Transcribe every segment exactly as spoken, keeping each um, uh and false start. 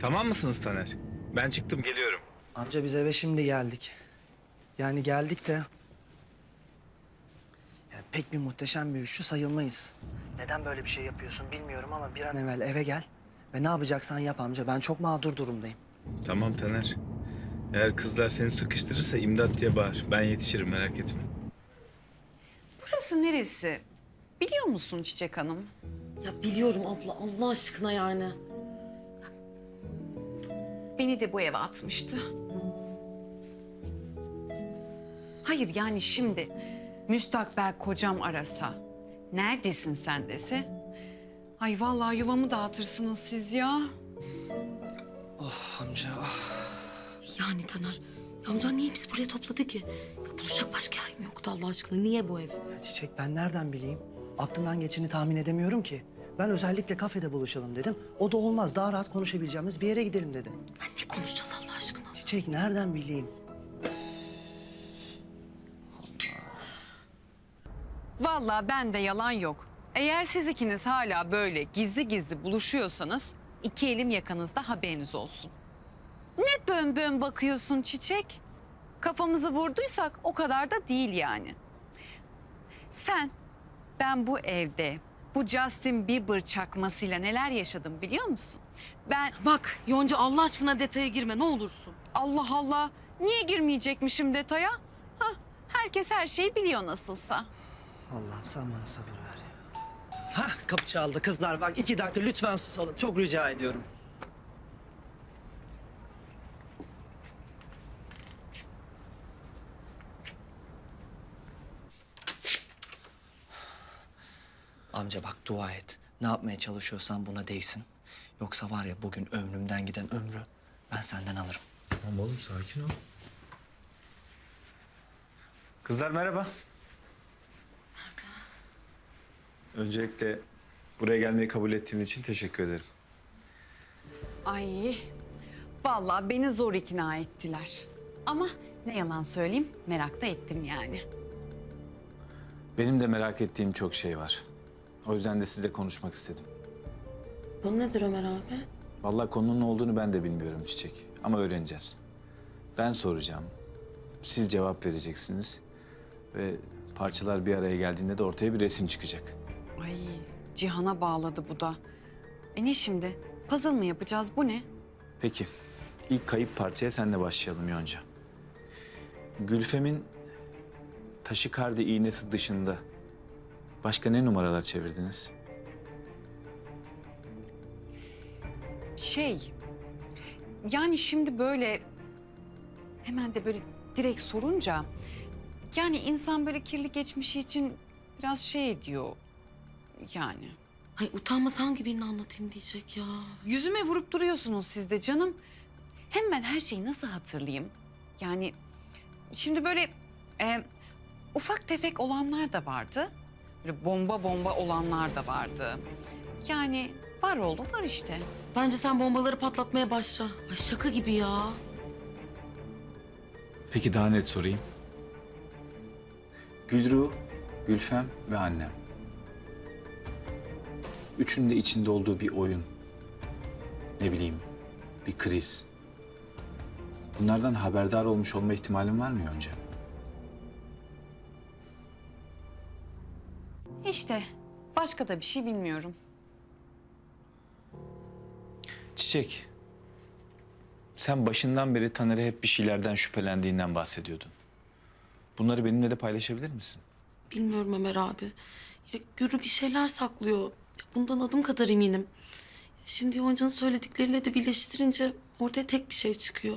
Tamam mısınız Taner? Ben çıktım, geliyorum. Amca biz eve şimdi geldik. Yani geldik de... Yani pek bir muhteşem bir üçlü sayılmayız. Neden böyle bir şey yapıyorsun bilmiyorum ama bir an evvel eve gel. Ve ne yapacaksan yap amca. Ben çok mağdur durumdayım. Tamam Taner. Eğer kızlar seni sıkıştırırsa imdat diye bağır. Ben yetişirim, merak etme. Burası neresi? Biliyor musun Çiçek Hanım? Ya biliyorum abla, Allah aşkına yani. Beni de bu eve atmıştı. Hayır yani şimdi müstakbel kocam arasa, neredesin sen dese... Ay vallahi yuvamı dağıtırsınız siz ya. Oh amca ah. Yani Taner, ya amcan niye bizi buraya topladı ki? Ya buluşacak başka yer mi yoktu Allah aşkına? Niye bu ev? Ya Çiçek ben nereden bileyim? Aklından geçeni tahmin edemiyorum ki. Ben özellikle kafede buluşalım dedim. O da olmaz. Daha rahat konuşabileceğimiz bir yere gidelim dedi. Ya ne konuşacağız Allah aşkına? Çiçek nereden bileyim? Vallahi bende yalan yok. Eğer siz ikiniz hala böyle gizli gizli buluşuyorsanız... iki elim yakanızda, haberiniz olsun. Ne bön bön bakıyorsun Çiçek? Kafamızı vurduysak o kadar da değil yani. Sen, ben bu evde bu Justin Bieber çakmasıyla neler yaşadım biliyor musun? Ben Bak Yonca Allah aşkına detaya girme ne olursun. Allah Allah, niye girmeyecekmişim detaya? Hah, herkes her şeyi biliyor nasılsa. Allah'ım sen bana sabır ver ya. Hah kapı çaldı kızlar bak iki dakika lütfen susalım. Çok rica ediyorum. Amca bak dua et. Ne yapmaya çalışıyorsan buna değsin. Yoksa var ya bugün ömrümden giden ömrü ben senden alırım. Tamam oğlum, sakin ol. Kızlar merhaba. Öncelikle buraya gelmeyi kabul ettiğin için teşekkür ederim. Ay, vallahi beni zor ikna ettiler. Ama ne yalan söyleyeyim, merak da ettim yani. Benim de merak ettiğim çok şey var. O yüzden de sizle konuşmak istedim. Bu nedir Ömer abi? Vallahi konunun ne olduğunu ben de bilmiyorum Çiçek. Ama öğreneceğiz. Ben soracağım. Siz cevap vereceksiniz. Ve parçalar bir araya geldiğinde de ortaya bir resim çıkacak. Ay, Cihan'a bağladı bu da. E ne şimdi? Puzzle mı yapacağız? Bu ne? Peki. İlk kayıp parçaya senle başlayalım Yonca. Gülfem'in taşikardi iğnesi dışında başka ne numaralar çevirdiniz? Şey, yani şimdi böyle hemen de böyle direkt sorunca... Yani insan böyle kirli geçmişi için biraz şey ediyor yani. Ay utanmaz hangi birini anlatayım diyecek ya. Yüzüme vurup duruyorsunuz siz de canım. Hem ben her şeyi nasıl hatırlayayım? Yani şimdi böyle e, ufak tefek olanlar da vardı. Böyle bomba bomba olanlar da vardı. Yani var oldu var işte. Bence sen bombaları patlatmaya başla. Ay şaka gibi ya. Peki daha net sorayım. Gülru, Gülfem ve annem. Üçünün de içinde olduğu bir oyun. Ne bileyim, bir kriz. Bunlardan haberdar olmuş olma ihtimalin var mı Yonca? İşte başka da bir şey bilmiyorum. Çiçek, sen başından beri Taner'e hep bir şeylerden şüphelendiğinden bahsediyordun. Bunları benimle de paylaşabilir misin? Bilmiyorum Ömer abi. Ya Gürü bir şeyler saklıyor. Ya bundan adım kadar eminim. Şimdi Yonca'nın söyledikleriyle de birleştirince ortaya tek bir şey çıkıyor.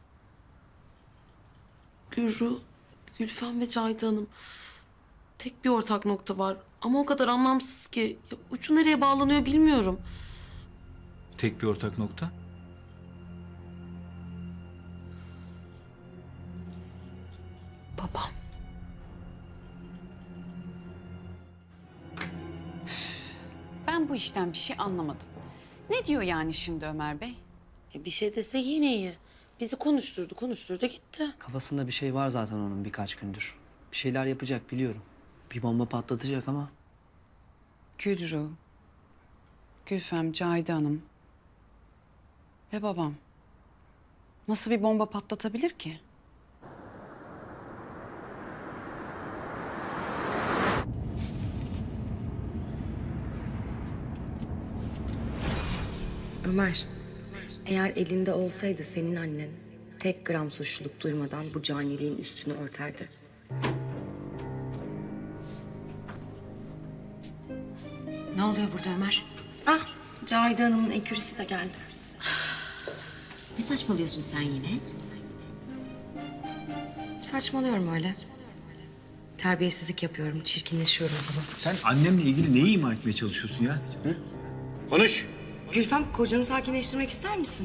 Gürü, Gülfem ve Cahide Hanım. Tek bir ortak nokta var. Ama o kadar anlamsız ki. Ya ucu nereye bağlanıyor bilmiyorum. Tek bir ortak nokta? Babam. Ben bu işten bir şey anlamadım. Ne diyor yani şimdi Ömer Bey? E bir şey dese yine iyi. Bizi konuşturdu, konuşturdu gitti. Kafasında bir şey var zaten onun birkaç gündür. Bir şeyler yapacak biliyorum. Bir bomba patlatacak ama Gülru, Gülfem, Cahide Hanım. Ve babam nasıl bir bomba patlatabilir ki? Ömer, eğer elinde olsaydı senin annen tek gram suçluluk duymadan bu caniliğin üstünü örterdi. Ne oluyor burada Ömer? Ah, Cahide Hanım'ın ekürisi de geldi. Ne saçmalıyorsun sen yine? Saçmalıyorum öyle. Terbiyesizlik yapıyorum, çirkinleşiyorum falan. Sen annemle ilgili neyi ima etmeye çalışıyorsun ya? Hı? Konuş. Gülfem, kocanı sakinleştirmek ister misin?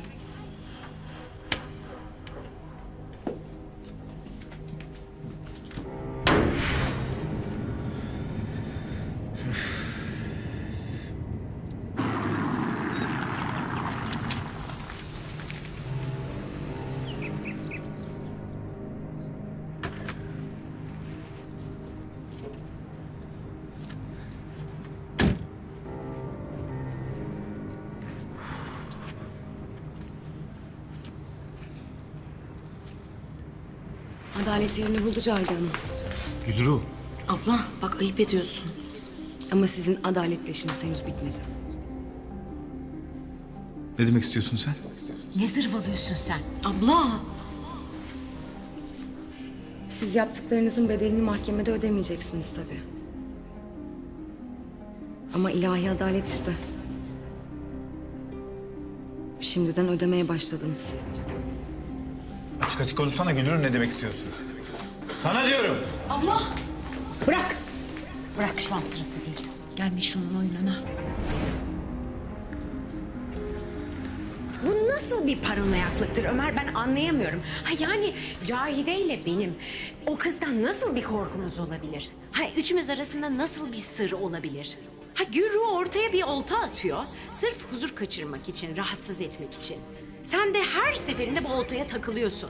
Adalet yerini buldu Cahide Hanım. Gülru. Abla bak ayıp ediyorsun. Ama sizin adaletleşiniz henüz bitmedi. Ne demek istiyorsun sen? Ne zırvalıyorsun sen? Abla. Siz yaptıklarınızın bedelini mahkemede ödemeyeceksiniz tabii. Ama ilahi adalet işte. Şimdiden ödemeye başladınız. Açık açık konuşsana Gülru, ne demek istiyorsun? Sana diyorum. Bırak. Bırak, şu an sırası değil. Gelme şunun oyununa. Bu nasıl bir paranoyaklıktır Ömer, ben anlayamıyorum. Ha yani Cahide ile benim o kızdan nasıl bir korkumuz olabilir? Ha üçümüz arasında nasıl bir sır olabilir? Ha Gürru ortaya bir olta atıyor. Sırf huzur kaçırmak için, rahatsız etmek için. Sen de her seferinde bu oltaya takılıyorsun.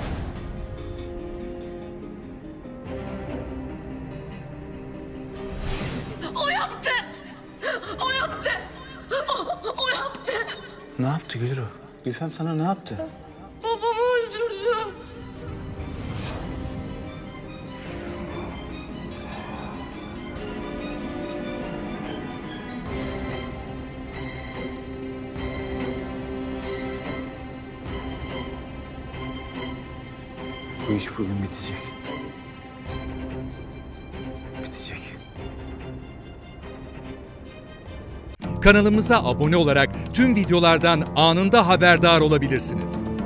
O yaptı! O yaptı! O, o yaptı! Ne yaptı Gülru? Gülfem sana ne yaptı? Babamı öldürdü. Bu iş bugün bitecek. Bitecek. Kanalımıza abone olarak tüm videolardan anında haberdar olabilirsiniz.